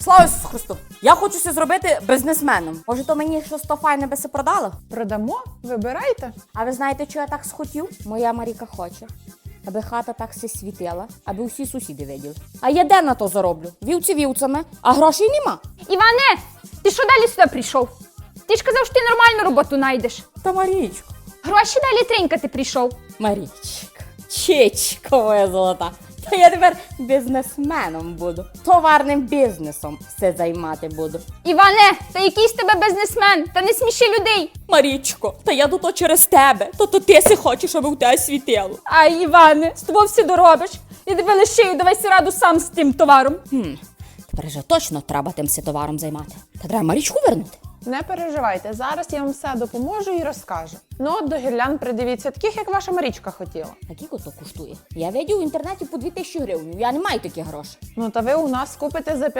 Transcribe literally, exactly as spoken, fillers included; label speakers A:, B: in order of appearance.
A: Слава Ісусу Христу! Я хочу це зробити бізнесменом. Може, то мені щось то файне би се продало?
B: Продамо? Вибирайте.
A: А ви знаєте, що я так схотів? Моя Маріка хоче, аби хата так се світила, аби усі сусіди виділи. А я де на то зароблю? Вівці вівцями, а грошей нема.
C: Іване, ти що далі сюди прийшов? Ти ж казав, що ти нормальну роботу знайдеш.
A: Та Марічко,
C: Гроші далі тринькати прийшов.
A: Марічка, чечко моя золота. Та я тепер бізнесменом буду. Товарним бізнесом все займати буду.
C: Іване, та який з тебе бізнесмен, та не сміши людей.
A: Марічко, та я тут через тебе. То то ти си хочеш, аби у тебе світило.
C: Ай, Іване, з тобою все доробиш. Я тебе лишию, давай си раду сам з тим товаром.
A: Хм, тепер же точно треба тим си товаром займати. Та треба Марічку вернути.
B: Не переживайте, зараз я вам все допоможу і розкажу. Ну от до гірлянд придивіться, таких, як ваша Марічка хотіла.
A: А скільки то коштує? Я видів в інтернеті по дві тисячі гривень. Я не маю таких грошей.
B: Ну та ви у нас купите за